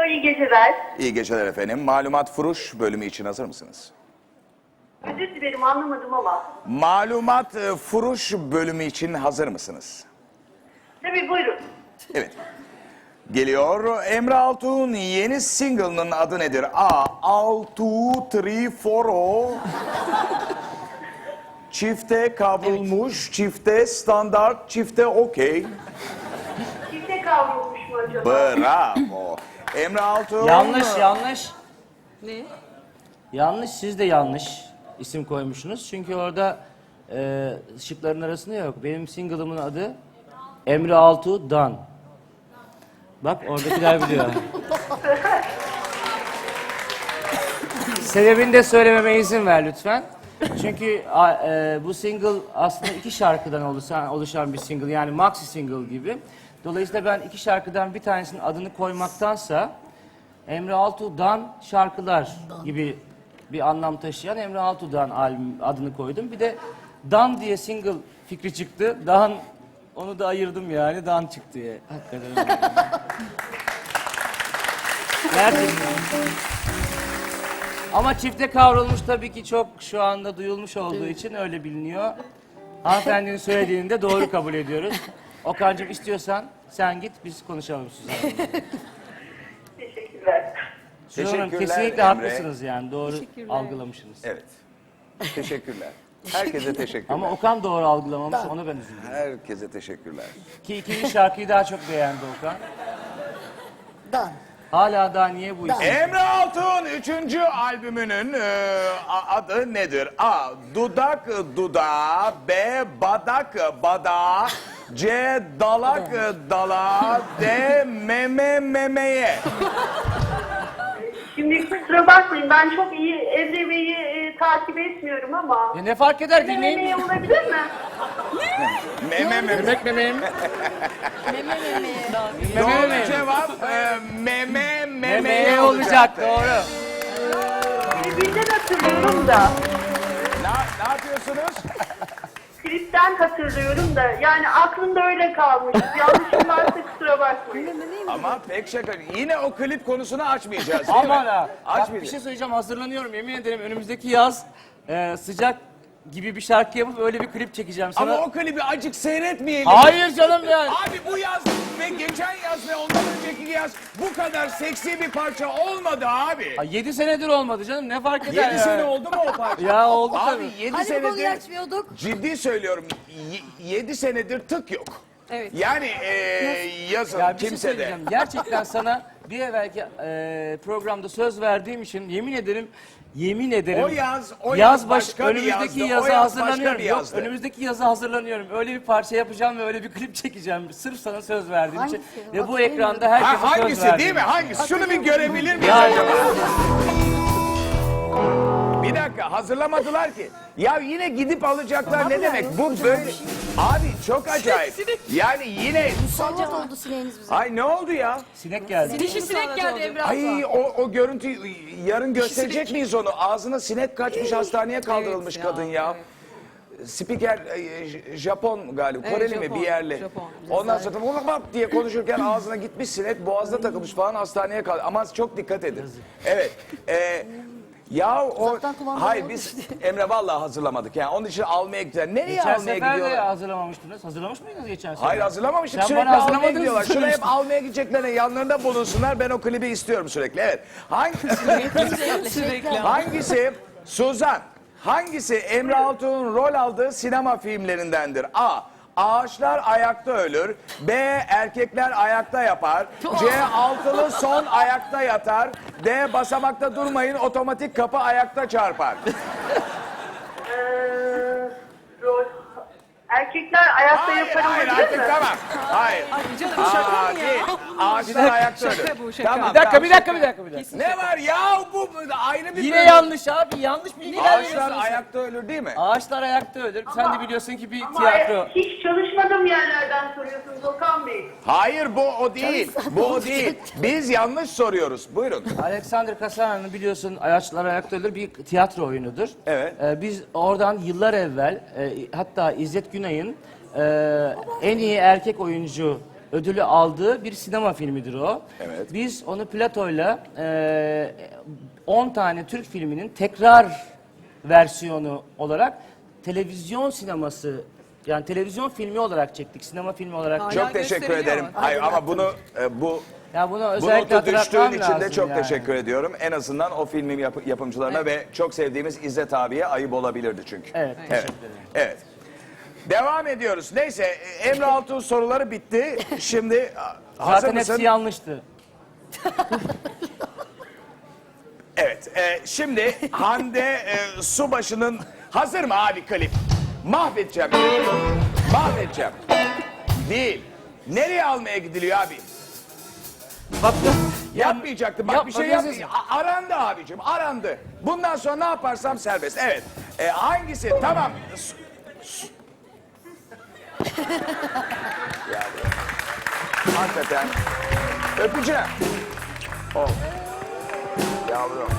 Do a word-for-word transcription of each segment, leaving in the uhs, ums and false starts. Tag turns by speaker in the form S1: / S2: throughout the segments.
S1: iyi geceler.
S2: İyi geceler efendim. Malumat Furuş bölümü için hazır mısınız?
S1: Özür dilerim, anlamadım ama.
S2: Malumat e, Furuş bölümü için hazır mısınız?
S1: Tabii, buyurun.
S2: Evet. Geliyor. Emre Altuğ'un yeni single'ının adı nedir? A. Altu Tri Foro. Çifte kavrulmuş, çifte standart, çifte okey.
S1: Çifte kavrulmuş mu acaba?
S2: Bravo. Emre Altuğ.
S3: Yanlış, yanlış.
S4: Ne?
S3: Yanlış, siz de yanlış isim koymuşsunuz. Çünkü orada e, şıkların arasında yok. Benim single'ımın adı Emre Altuğ Dan. Bak oradakiler biliyor. Sebebini de söylememe izin ver lütfen. Çünkü a, e, bu single aslında iki şarkıdan oluşan, oluşan bir single. Yani maxi single gibi. Dolayısıyla ben iki şarkıdan bir tanesinin adını koymaktansa Emre Altuğ'dan şarkılar gibi bir anlam taşıyan Emre Altuğ'dan albüm adını koydum. Bir de Dan diye single fikri çıktı. Dan, onu da ayırdım yani. Dan çıktı diye. Hakikaten öyle. Gerçekten. Ama çifte kavrulmuş tabii ki çok şu anda duyulmuş olduğu için öyle biliniyor. Hanımefendinin söylediğini de doğru kabul ediyoruz. Okan'cığım istiyorsan sen git biz konuşalım Suzan.
S1: Teşekkürler.
S3: Suzan Hanım
S2: Teşekkürler
S3: kesinlikle
S2: Emre.
S3: haklısınız yani doğru
S4: Teşekkürler.
S3: algılamışsınız.
S2: Evet. Teşekkürler. Herkese teşekkürler.
S3: Ama Okan doğru algılamamış ona ben üzüldüm.
S2: Herkese teşekkürler.
S3: Ki ikinci şarkıyı daha çok beğendi Okan.
S4: Dan.
S3: Hala daha niye bu isim?
S2: Emre Altuğ'un üçüncü albümünün e, a- adı nedir? A. Dudak dudağa. B. Badak badağa. C. Dalak dala. D. Meme memeye.
S1: Şimdi kusura bakmayın, ben çok iyi Emre Bey'i e, takip etmiyorum ama...
S3: Ya ne fark eder
S1: Emre
S3: dinleyin.
S1: Bey olabilir mi?
S2: Meme meme.
S3: Memek memeğim.
S4: Meme meme.
S3: Meme
S2: Doğru
S3: memeğim.
S2: cevap e, meme memeye
S3: Memeye olacak doğru.
S1: Klipten hatırlıyorum da.
S2: Ne, ne yapıyorsunuz?
S1: Klipten hatırlıyorum da. Yani aklımda öyle kalmış. Yanlışım varsa kusura bakmayın.
S2: Ama pek şaka. Yine o klip konusunu açmayacağız değil
S3: Aman
S2: mi?
S3: ha. Bak bir
S2: Açmayacağız.
S3: şey söyleyeceğim hazırlanıyorum yemin ederim önümüzdeki yaz e, sıcak gibi bir şarkı yapıp öyle bir klip çekeceğim sana.
S2: Ama o klibi acık seyretmeyelim.
S3: Hayır canım yani.
S2: Abi bu yaz ve geçen yaz ve ondan önceki yaz bu kadar seksi bir parça olmadı abi.
S3: Ay, yedi senedir olmadı canım ne fark eder
S2: Yedi
S3: ya?
S2: sene oldu mu o parça?
S3: Ya oldu
S2: Abi
S3: tabii.
S2: yedi
S4: Hani bu konuyu
S2: senedir
S4: açmıyorduk?
S2: ciddi söylüyorum y- yedi senedir tık yok.
S4: Evet.
S2: Yani e, yazın
S3: Ya bir şey
S2: kimse de.
S3: söyleyeceğim. Gerçekten sana bir evvelki e, programda söz verdiğim için yemin ederim Yemin ederim.
S2: O yaz, o yaz başka bir
S3: önümüzdeki
S2: yazdı,
S3: yaza
S2: o yaz başka
S3: hazırlanıyorum.
S2: bir
S3: Yok,
S2: yazdı.
S3: önümüzdeki yaza hazırlanıyorum. Öyle bir parça yapacağım ve öyle bir klip çekeceğim. Sırf sana söz verdiğim için.
S4: Hangisi?
S3: Ve bu
S4: Hatırlamıyorum.
S3: ekranda herkese
S2: Ha,
S3: söz
S2: hangisi
S3: verdim.
S2: değil mi? Hangisi? Şunu bir görebilir miyiz
S3: Ya,
S2: acaba? Bir dakika hazırlamadılar ki. Ya yine gidip alacaklar ne demek? Bu böyle... Abi çok acayip. Yani yine...
S4: Musallat oldu sineğiniz bize.
S2: Ay ne oldu ya?
S3: Sinek geldi.
S5: Dişi sinek geldi Emre abla.
S2: Ay o, o görüntüyü yarın gösterecek miyiz onu? Ağzına sinek kaçmış hastaneye kaldırılmış
S5: Evet ya,
S2: kadın ya. Spiker e, J- Japon galiba,
S5: Evet,
S2: Koreli mi
S5: Japon,
S2: bir yerli.
S5: Japon.
S2: Ondan sonra bak bak diye konuşurken ağzına gitmiş sinek, boğazda takılmış falan hastaneye kaldı. Ama çok dikkat edin. Evet. E, ya o
S4: Uzaktan kumanda
S2: hayır
S4: olmuş
S2: biz
S4: diye.
S2: Emre vallahi hazırlamadık yani. Onun için almaya gidiyorlar. Nereye
S3: Geçen
S2: almaya
S3: sefer de
S2: gidiyorlar?
S3: hazırlamamıştınız. Hazırlamış mıydınız geçen sefer?
S2: Hayır hazırlamamıştık.
S3: Sen
S2: Sürekli
S3: bana
S2: almaya
S3: hazırlamadığınızı
S2: gidiyorlar. Şunu hep
S3: söylemiştin.
S2: almaya gideceklerine yanlarında bulunsunlar. Ben o klibi istiyorum sürekli. Evet. Hangi...
S5: Sürekli.
S2: Hangisi Suzan? Hangisi Emre Altuğ'un rol aldığı sinema filmlerindendir? A. Ağaçlar ayakta ölür. B. Erkekler ayakta yapar. C. Altılı son ayakta yatar. D. Basamakta durmayın otomatik kapı ayakta çarpar.
S1: Ee, rol... Erkekler ayakta
S2: Hayır
S1: yaparım
S2: hayır
S1: olabilir
S2: artık
S1: mi?
S2: tamam. Hayır.
S5: Ay canım şaka
S2: Aa,
S5: mı
S2: değil.
S5: ya?
S2: Ağaçlar ayakta ölür.
S5: Şaka bu, şaka.
S2: Tamam,
S3: Bir dakika,
S2: tamam,
S3: bir dakika,
S2: şaka.
S3: bir dakika, bir dakika.
S2: Ne var ya bu bu ayrı bir
S3: Yine
S2: bölüm.
S3: yanlış abi, yanlış bilgiler
S2: Ağaçlar
S3: veriyorsunuz.
S2: ayakta ölür değil mi?
S3: Ağaçlar ayakta ölür. Sen de biliyorsun ki bir
S1: Ama
S3: tiyatro.
S1: hiç çalışmadığım yerlerden soruyorsunuz Okan Bey.
S2: Hayır bu o değil. Bu o değil. Biz yanlış soruyoruz. Buyurun.
S3: Alexander Kasana'nın biliyorsun Ağaçlar Ayakta Ölür bir tiyatro oyunudur.
S2: Evet.
S3: Ee, biz oradan yıllar evvel e, hatta İzzet Günay'ın e, en iyi erkek oyuncu ödülü aldığı bir sinema filmidir o.
S2: Evet.
S3: Biz onu Plato'yla e, on tane Türk filminin tekrar versiyonu olarak televizyon sineması, yani televizyon filmi olarak çektik, sinema filmi olarak
S5: Hala
S3: çektik.
S2: Çok teşekkür
S5: gösteriliyor
S2: ederim.
S5: ama.
S2: Hayır ama bunu e, bu
S3: Ya bunu
S2: bu
S3: özellikle
S2: notu düştüğün
S3: hatırlatmam
S2: için de
S3: lazım
S2: çok
S3: yani.
S2: teşekkür ediyorum. En azından o filmin yap- yapımcılarına ve çok sevdiğimiz İzzet abiye ayıp olabilirdi çünkü.
S3: Evet,
S2: Evet.
S3: teşekkür ederim.
S2: Evet. Devam ediyoruz. Neyse Emre Altun soruları bitti. Şimdi a, hazır
S3: Zaten
S2: mısın?
S3: hepsi yanlıştı.
S2: Evet. e, şimdi Hande e, Subaşı'nın hazır mı abi klip? Mahvedeceğim. Mahvedeceğim. Değil. Nereye almaya gidiliyor abi?
S3: Bak
S2: Yapmayacaktım. Bak
S3: Yap-
S2: bir şey
S3: bakıyorsun.
S2: yapmayacağım. A- Arandı abicim. Arandı. Bundan sonra ne yaparsam serbest. Evet. E, hangisi? Tamam. S- s- yani. Hakikaten. Öpeceğim. Oh. Yavrum.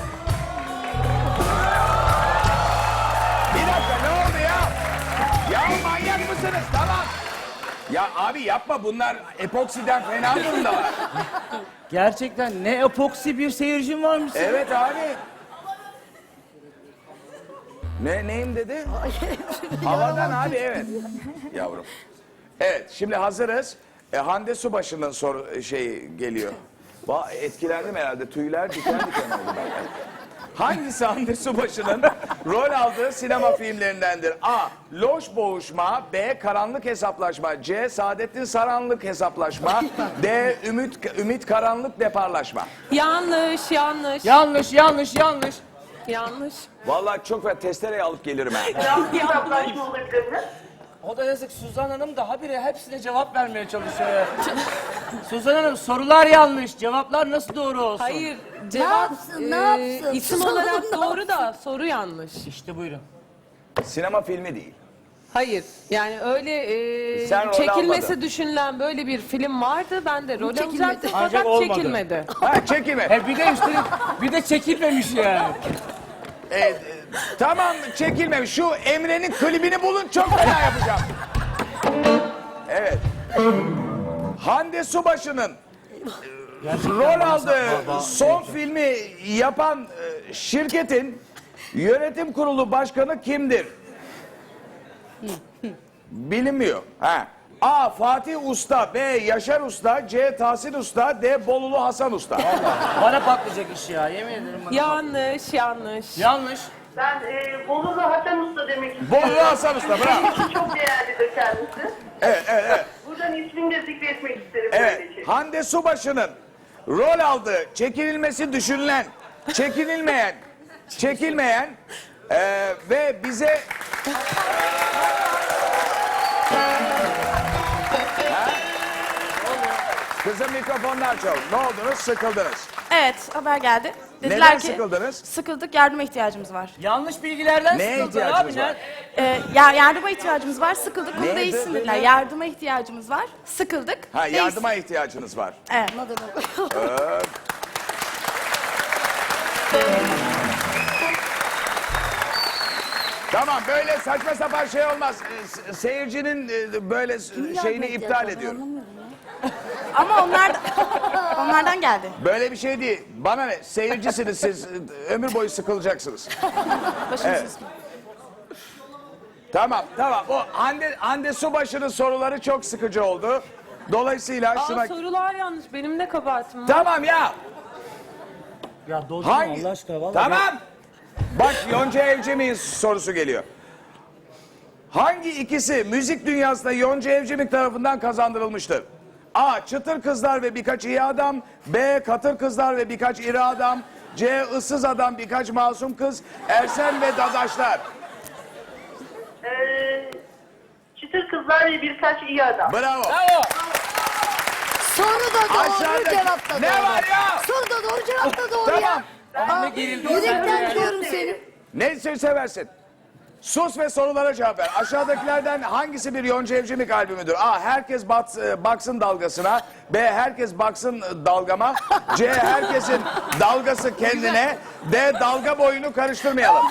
S2: Bir dakika ne oldu ya? Ya manyak mısınız? Tamam. Ya abi yapma bunlar epoksiden fena durumdalar.
S3: gerçekten ne epoksi bir seyircim varmış.
S2: Evet abi. Ne neyim dedi? Havadan abi evet. Yavrum. Evet şimdi hazırız. E, Hande Subaşı'nın soru şey geliyor. Va etkilendim herhalde. Tüyler diken diken oldu ben. Hangisi Hande Subaşı'nın rol aldığı sinema filmlerindendir? A. Loş Boğuşma. B. Karanlık Hesaplaşma. C. Saadettin Saranlık Hesaplaşma. D. Ümit Ümit Karanlık Deparlaşma.
S5: Yanlış, yanlış,
S3: Yanlış, yanlış, yanlış.
S5: yanlış.
S2: Vallahi çok ve testereye alıp gelirim ha.
S1: Yanlış hesaplaşma olabilir mi?
S3: O da yazık, Suzan Hanım da habire hepsine cevap vermeye çalışıyor. ya. Suzan Hanım, sorular yanlış, cevaplar nasıl doğru olsun?
S5: Hayır, cevap
S4: yapsın, ne
S5: e,
S4: yapsın?
S5: isim
S4: Suzan
S5: olarak
S4: Hanım ne
S5: doğru da soru yanlış.
S3: İşte buyurun.
S2: Sinema filmi değil.
S5: Hayır, yani öyle e,
S2: Sen rol
S5: çekilmesi
S2: almadın.
S5: düşünülen böyle bir film vardı. Ben de rol
S4: Çekilmedi.
S5: alacaktım
S3: Ancak
S5: fakat
S3: olmadı.
S5: çekilmedi.
S2: Ha çekime.
S3: He bir de üstelik, bir de çekilmemiş yani.
S2: E, e, tamam çekilmemiş. Şu Emre'nin klibini bulun çok fena yapacağım. Evet. Hande Subaşı'nın rol aldığı son filmi yapan e, şirketin yönetim kurulu başkanı kimdir? Bilinmiyor. Ha. A. Fatih Usta, B. Yaşar Usta, C. Tahsin Usta, D. Bolulu Hasan Usta.
S3: Bana patlayacak iş ya, yemin ederim bana.
S5: Yanlış, yanlış.
S3: Yanlış.
S1: Ben e, Bolulu Hasan Usta demek istiyorum.
S2: Bolulu Hasan Usta, bravo.
S1: Kendisi çok değerlidir kendisi.
S2: Evet, evet, evet.
S1: Buradan ismini de zikretmek isterim.
S2: Evet,
S1: böylece.
S2: Hande Subaşı'nın rol aldığı, çekilmesi düşünülen, çekilmeyen, çekilmeyen eee, ve bize... Ha? Kızım mikrofondan çal. Ne oldunuz? Sıkıldınız.
S6: Evet, haber geldi. Dediler
S2: Neden
S6: ki
S2: sıkıldınız?
S6: sıkıldık, yardıma ihtiyacımız var.
S3: Yanlış bilgilerden
S2: Neye
S3: sıkıldılar
S2: ihtiyacımız
S3: abi.
S2: var?
S6: Ee, ya, yardıma ihtiyacımız var, sıkıldık, bunu
S2: Neye?
S6: değişsin
S2: Dı-
S6: dediler.
S2: dı-
S6: Yardıma ihtiyacımız var, sıkıldık,
S2: Ha,
S6: değişsin.
S2: yardıma ihtiyacınız var.
S6: Evet.
S4: Ne demek?
S2: Tamam, böyle saçma sapan şey olmaz. Ee, se- Seyircinin e, böyle s-
S4: Kimin
S2: şeyini
S4: yardıma
S2: iptal
S4: ihtiyacı var?
S2: ediyorum.
S4: Anlamıyorum ya.
S6: Ama onlar onlardan geldi.
S2: Böyle bir şey değil. Bana ne? Seyircisiniz siz. Ömür boyu sıkılacaksınız.
S6: Başınız
S2: Evet. Tamam, tamam. O Hande, Hande Subaşı'nın soruları çok sıkıcı oldu. Dolayısıyla şuna...
S5: Aa, sorular yanlış. Benim de kabahatim var.
S2: Tamam ya.
S3: Ya doldurma
S2: Hangi?
S3: Allah aşkına vallahi.
S2: Tamam. Bak Yonca Evcimik'in sorusu geliyor. Hangi ikisi müzik dünyasında Yonca Evcimik tarafından kazandırılmıştır? A. Çıtır Kızlar ve Birkaç İyi Adam. B. Katır Kızlar ve Birkaç İri Adam. C. Issız Adam Birkaç Masum Kız. Ersen ve Dadaşlar.
S1: Ee, çıtır Kızlar ve Birkaç iyi Adam.
S2: Bravo.
S3: Bravo.
S4: Soru da doğru,
S2: Aşağıdaki-
S4: cevap da doğru.
S2: Ne var ya?
S4: Soru da doğru, cevap da doğru
S2: Tamam.
S4: ya.
S3: Anne gerildi. sen de
S4: Yürekten
S3: yani.
S4: diyorum seni.
S2: Ne seversin? Sus ve sorulara cevap ver. Aşağıdakilerden hangisi bir Yonca Evcimik albümüdür? A. Herkes bats, e, baksın dalgasına. B. Herkes baksın e, dalgama. C. Herkesin dalgası kendine. D. Dalga boyunu karıştırmayalım.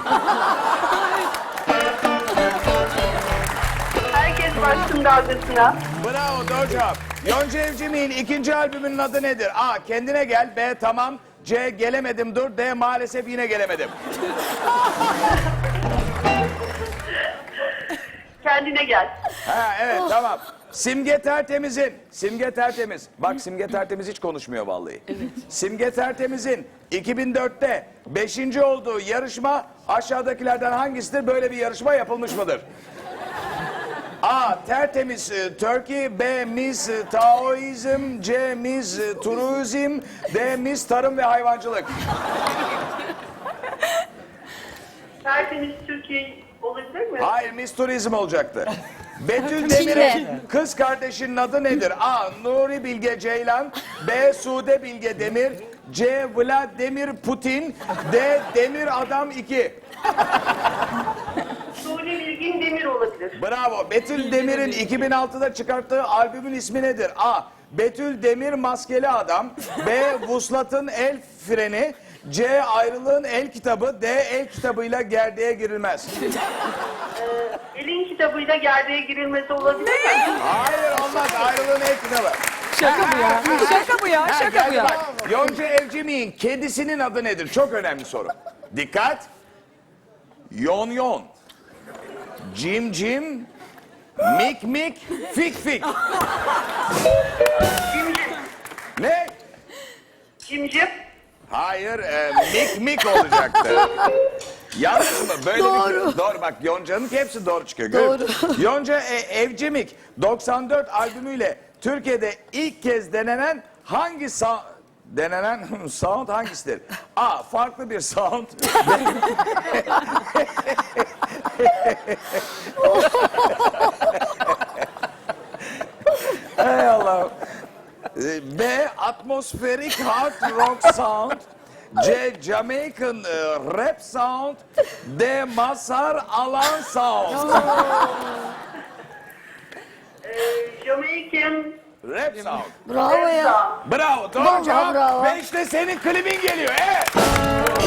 S1: Herkes baksın dalgasına.
S2: Bravo, doğru cevap. Yonca Evcimik'in ikinci albümünün adı nedir? A. Kendine gel. B. Tamam. C. Gelemedim dur. D. Maalesef yine gelemedim.
S1: Kendine gel.
S2: Ha evet tamam. Simge Tertemiz'in, Simge Tertemiz, bak Simge Tertemiz hiç konuşmuyor vallahi. Simge Tertemiz'in iki bin dörtte beşinci olduğu yarışma aşağıdakilerden hangisidir? Böyle bir yarışma yapılmış mıdır? A. Tertemiz e, Turkey. B. Miss e, Taoizm. C. Miss e, Turizm. D. Miss Tarım ve Hayvancılık.
S1: Tertemiz Türkiye olabilir mi?
S2: Hayır, Miss Turizm olacaktı. Betül Demir'in kız kardeşinin adı nedir? A. Nuri Bilge Ceylan. B. Sude Bilge Demir. C. Vladimir Putin. D. Demir Adam iki.
S1: Suudi Bilgin Demir olabilir.
S2: Bravo. Betül Demir'in iki bin altıda çıkarttığı albümün ismi nedir? A. Betül Demir Maskeli Adam. B. Vuslat'ın El Freni. C. Ayrılığın El Kitabı. D. El Kitabıyla gerdeğe girilmez.
S1: Elin kitabıyla gerdeğe girilmesi olabilir mi?
S2: Hayır olmaz. Ayrılığın El Kitabı.
S5: Şaka bu ya. Şaka bu ya.
S2: Ha,
S5: Şaka bu
S2: geldi
S5: ya.
S2: bak. Yonca Evcimik'in kedisinin adı nedir? Çok önemli soru. Dikkat. Yon yon. Cim cim. Mik mik. Fik fik.
S1: Cimcim.
S2: Ne?
S1: Cimcim.
S2: Hayır, e, mik mik olacaktı. Yanlış mı? Böyle doğru. Bir, doğru bak Yonca'nın hepsi doğru çıkıyor. Doğru. Yonca e, Evcimik doksan dört albümüyle Türkiye'de ilk kez denenen hangi sa- denenen sound hangisidir? A. Farklı bir sound. Ey Allah'ım. B. Atmospheric hard rock sound. C. Jamaican e, rap sound. D. Mazhar Alan sound.
S1: Ee, Jamaican.
S2: Rap sound.
S4: Bravo ya.
S2: Bravo. Doğru
S4: Vallahi
S2: cevap.
S4: bravo.
S2: Ve işte senin klibin geliyor. Evet.